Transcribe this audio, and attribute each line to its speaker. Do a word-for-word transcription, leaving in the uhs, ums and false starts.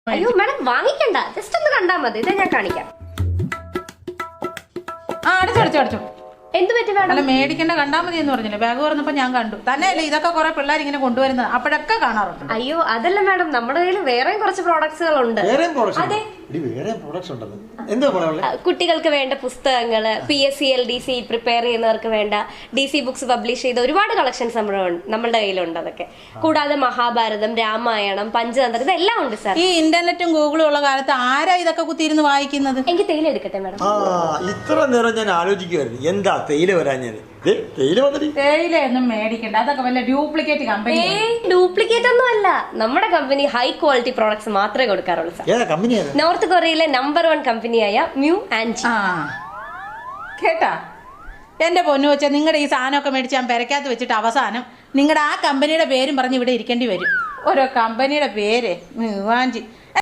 Speaker 1: അയ്യോ madam വാങ്ങിക്കണ്ട, just ഒന്ന് കണ്ടാ മതി. ഇതാ ഞാൻ കാണിക്കാം.
Speaker 2: ആ അടച്ചോ അടച്ചോ അടച്ചോ.
Speaker 1: എന്ത് പറ്റി മാഡം?
Speaker 2: അല്ല മേടിക്കേണ്ട കണ്ടാ മതി എന്ന് പറഞ്ഞില്ലേ, ബാഗ് തുറന്നപ്പോ ഞാൻ കണ്ടു. തന്നെയല്ലേ ഇതൊക്കെ കുറെ പിള്ളേർ ഇങ്ങനെ കൊണ്ടുവരുന്നത്, അപ്പോഴൊക്കെ കാണാറുണ്ട്.
Speaker 1: അയ്യോ അതല്ല മാഡം, നമ്മുടെ കയ്യിൽ വേറെയും കുറച്ച് പ്രോഡക്ട്സുകൾ ഉണ്ട്.
Speaker 2: അതെ,
Speaker 1: കുട്ടികൾക്ക് വേണ്ട പുസ്തകങ്ങള്, P S C L D C prepare ചെയ്യുന്നവർക്ക് വേണ്ട ഡി സി ബുക്സ് പബ്ലിഷ് ചെയ്ത ഒരുപാട് കളക്ഷൻസ് നമ്മളുടെ കയ്യിലുണ്ട്. അതൊക്കെ കൂടാതെ മഹാഭാരതം, രാമായണം, പഞ്ചതന്ത്രം, ഇതെല്ലാം ഉണ്ട് സാർ.
Speaker 2: ഈ ഇന്റർനെറ്റും ഗൂഗിളും ഉള്ള കാലത്ത് ആരാ ഇതൊക്കെ കുത്തിയിരുന്ന് വായിക്കുന്നത്?
Speaker 1: എനിക്ക് തേയില എടുക്കട്ടെ മാഡം.
Speaker 3: ഇത്ര നേരം ഞാൻ ആലോചിക്കുമായിരുന്നു എന്താ തേയില വരാഞ്ഞത്.
Speaker 2: തേയില ഒന്നും മേടിക്കണ്ട, അതൊക്കെ വല്ല ഡ്യൂപ്ലിക്കേറ്റ് കമ്പനി.
Speaker 1: ഡ്യൂപ്ലിക്കേറ്റ് ഒന്നും അല്ല, നമ്മുടെ കമ്പനി ഹൈ ക്വാളിറ്റി പ്രോഡക്ട്സ് മാത്രമേ കൊടുക്കാറുള്ളൂ സാർ. നോർത്ത് കൊറിയയിലെ നമ്പർ വൺ കമ്പനിയായ മ്യൂ ആൻഡ് ജി.
Speaker 2: കേട്ടാ എന്റെ പൊന്നു വെച്ചാൽ നിങ്ങളുടെ ഈ സാധനമൊക്കെ മേടിച്ച് ഞാൻ പെരക്കകത്ത് വെച്ചിട്ട് അവസാനം നിങ്ങളുടെ ആ കമ്പനിയുടെ പേരും പറഞ്ഞ് ഇവിടെ ഇരിക്കേണ്ടി വരും. ഓരോ കമ്പനിയുടെ പേര് മ്യൂ ആൻഡ് ജി.